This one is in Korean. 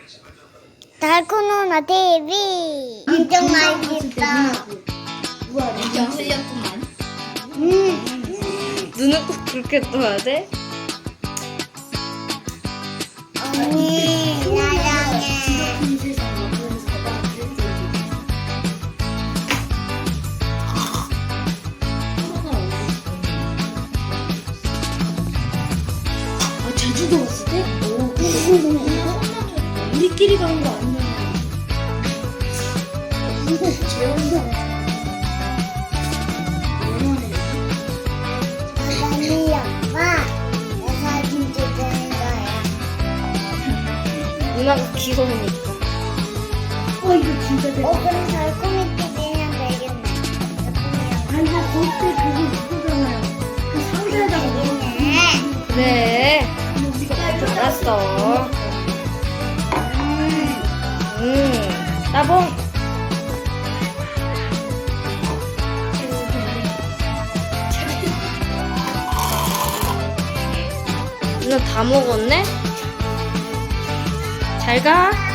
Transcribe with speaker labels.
Speaker 1: 달코노나 TV 엄청 맛있다.
Speaker 2: 우와, 완전 흘렸구만.
Speaker 3: 눈을 꼭 그렇게 떠야 돼?
Speaker 1: 언니 사랑해.
Speaker 2: 제주도 왔을 때? 우리끼리 가는 거 아니야?
Speaker 1: 언니 아빠 내 사진 찍는 거야.
Speaker 3: 누나가 귀여우니까.
Speaker 2: 이거 진짜 대박.
Speaker 1: 그럼 달콤이 TV는 되겠네.
Speaker 2: 아니, 나 그때 그거 있었잖아요. 그 상자에다가
Speaker 1: 되겠네.
Speaker 3: 그래. 알았어. 따봉. 누나 다 먹었네? 잘 가.